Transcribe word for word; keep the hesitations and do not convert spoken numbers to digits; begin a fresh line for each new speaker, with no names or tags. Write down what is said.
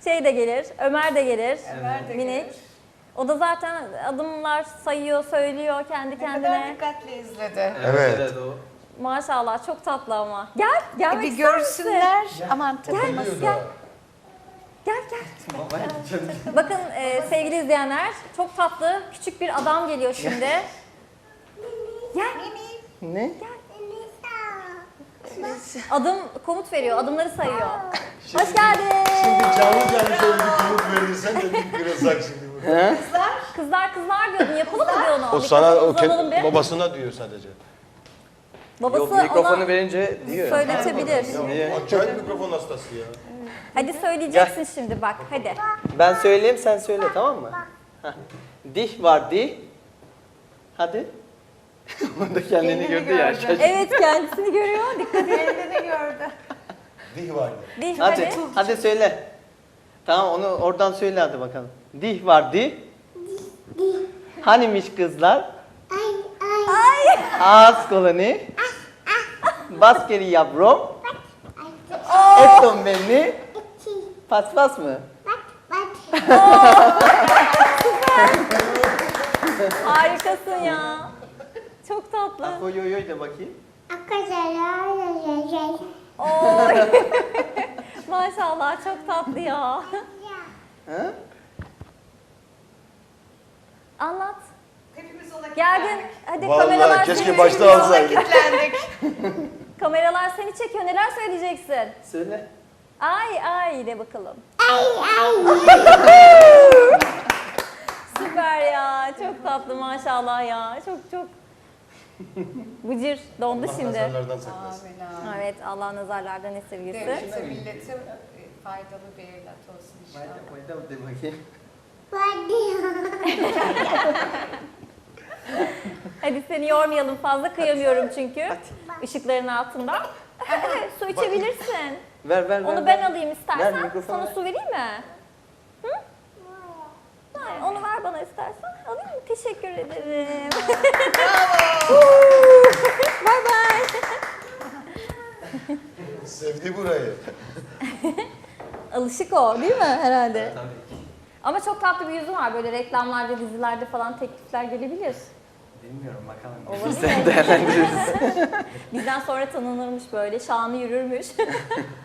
Şey de gelir, Ömer de gelir.
Ömer de
Minik.
gelir.
O da zaten adımlar sayıyor, söylüyor kendi
Ne kadar
kendine.
dikkatli izledi.
Evet.
evet o.
Maşallah çok tatlı ama. Gel,
E
gelmek
bir
ister misin?
görsünler. Aman takılmasın.
Gel. Gel gel. Bakın e, sevgili izleyenler, çok tatlı küçük bir adam geliyor şimdi. Gel.
Ne?
Adım komut veriyor, adımları sayıyor. Hoş geldin.
Şimdi canlı canlı şöyle bir komut verirsen de bir kırılsak şimdi burada.
Kızlar kızlar diyordun, yapalım mı diyor onu?
O
Bir
sana
kafanı
o
uzanalım
kendi,
bir.
babasına diyor sadece.
Babası
Yok mikrofonu
ona
verince diyor.
söyletebilir.
Niye?
Acayip mikrofon hastası ya.
Hadi söyleyeceksin şimdi bak, hadi.
Ben söyleyeyim sen söyle tamam mı? Heh. Dih var di. Hadi. O da kendini
Kendini
gördü ya.
gördü.
şaşırdı.
Evet kendisini görüyor, dikkat et.
Kendini gördü.
Dih vardı.
Dih,
Hadi,
hadi.
hadi söyle. Tamam onu oradan söyle hadi bakalım. Dih var di. Hanimiş kızlar?
Ay.
Ağız koloni. Baskeri yavrum. Eton beni. Paspas mı?
Harikasın ya. Çok tatlı.
Oy oy oy de bakayım.
Oy. Maşallah çok tatlı ya.
Ha?
Anlat.
Hepimiz ona
Geldin.
kilitlendik.
Hadi
Vallahi
kameralar
keşke
seni
başta
çekiyor.
alsaydık.
Kilitlendik.
Kameralar seni çekiyor. Neler söyleyeceksin?
Söyle.
Ay ay de bakalım. Süper ya. Çok tatlı maşallah ya. Çok çok. Bıcır dondu
Allah
şimdi.
nazarlardan saklasın.
Amin amin.
Evet Allah nazarlardan esirgesin.
Devlete, millete e, faydalı bir evlat olsun inşallah.
Mayda de bakayım.
Hadi seni yormayalım fazla kıyamıyorum çünkü. Işıkların altında. Su içebilirsin.
Ver ver ver.
Onu
ver.
ben alayım
Ver,
istersen.
mikrofonu
Sana
ver.
su vereyim mi? Hı? Hayır, onu ver bana istersen. Alayım mı? Teşekkür ederim. Bye bye.
Sevdi burayı.
Alışık o değil mi herhalde?
Tabii.
Ama çok tatlı bir yüzü var. Böyle reklamlarda, dizilerde falan teklifler gelebilir.
Bilmiyorum bakalım.
Olabilir.
Sen değerlendiririz.
Bizden sonra tanınırmış böyle, şanlı yürürmüş.